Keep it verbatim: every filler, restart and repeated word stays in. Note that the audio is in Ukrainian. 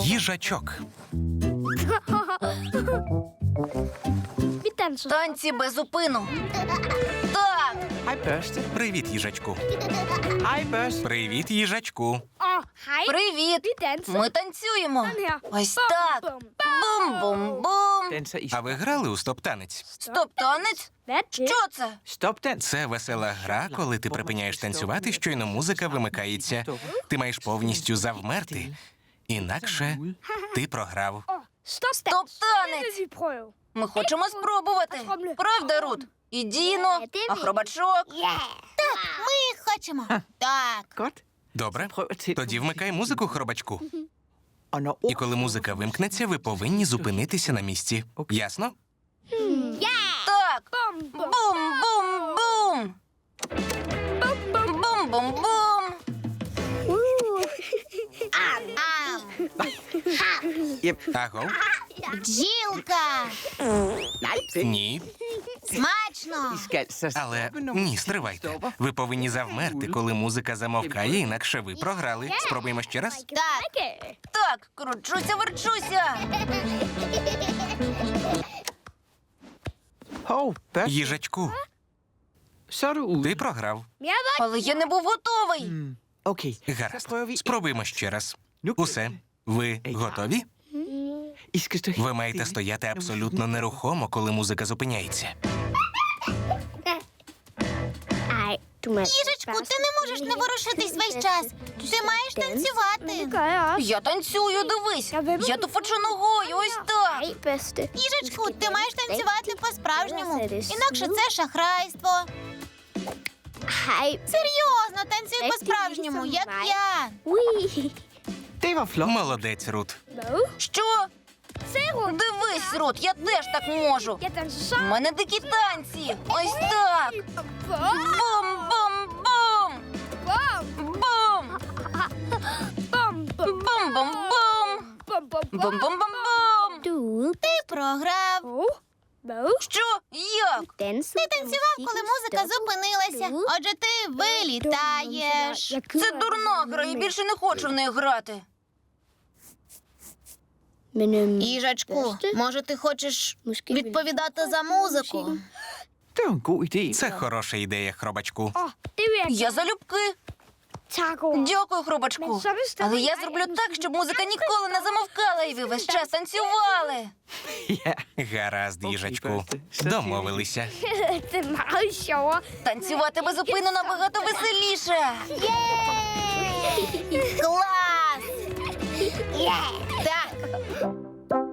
Їжачок. Танці без зупину. Так. Hej, børste. Привіт, їжачку. Hej, børste. Привіт, їжачку. Привіт. Ми танцюємо. Ось так. Бум-бум-бум. Danser i А ви грали у стоп-танець? Стоп-танець? Що це? stopdans. Це весела гра, коли ти припиняєш танцювати, щойно музика вимикається. Ти маєш повністю завмерти. Інакше ти програв. Стоп-танець. Ми хочемо спробувати. Правда, Рут? І Діно, акробачок. Ми хочемо. Так. Godt. Добре? Prøv at tænde Тоді вмикай музику, хробачку. Og når І коли музика вимкнеться, ви повинні зупинитися на місці. Ясно? Так. Бум-бум-бум. Бум-бум-бум. Аго? Бджілка. Ні. Смачно. I skal så Але stoppe, når ні, musikken стривайте. stopper. Ви повинні завмерти, коли музика замовкає, інакше ви програли. Спробуємо ще раз. Так. Так, кручуся, верчуся. Hov, børste. Їжачку, Så er du ude. ти програв. Але я не був готовий. Mm, Okay, så Гаразд. prøver vi. Спробуємо ще раз. Nu Усе. Ви готові? I skal stå helt Ви маєте stille, стояти når абсолютно musikken- нерухомо, коли музика зупиняється. Їжечку, ти не можеш не ворушитись весь час. Ти маєш танцювати. Я танцюю, дивись. Я туфочу ногою, ось так. Їжечку, ти маєш танцювати по-справжньому. Інакше це шахрайство. Серйозно, танцюй по-справжньому, як я. Det var flot. Молодець, Рут. Що? Дивись, Рут, я теж так можу. У мене дикі танці. Ось так. Бум-бум-бум. Бум. Бум-бум-бум. Бум-бум-бум-бум. Ти програв. Що? Як? Ти танцював, коли музика зупинилася. Отже, ти вилітаєш. Це дурна гра, я більше не хочу в неї грати. Їжачку, може ти хочеш відповідати за музику? Det var en god idé. Це хороша ідея, хробачку. Я залюбки. Дякую, хробачку. Але я зроблю так, щоб музика ніколи не замовкала, і ви весь час танцювали. Ja. Гаразд, їжачку. Børste. Så siger vi- Домовилися. Танцювати без зупину набагато веселіше. Клас! Так.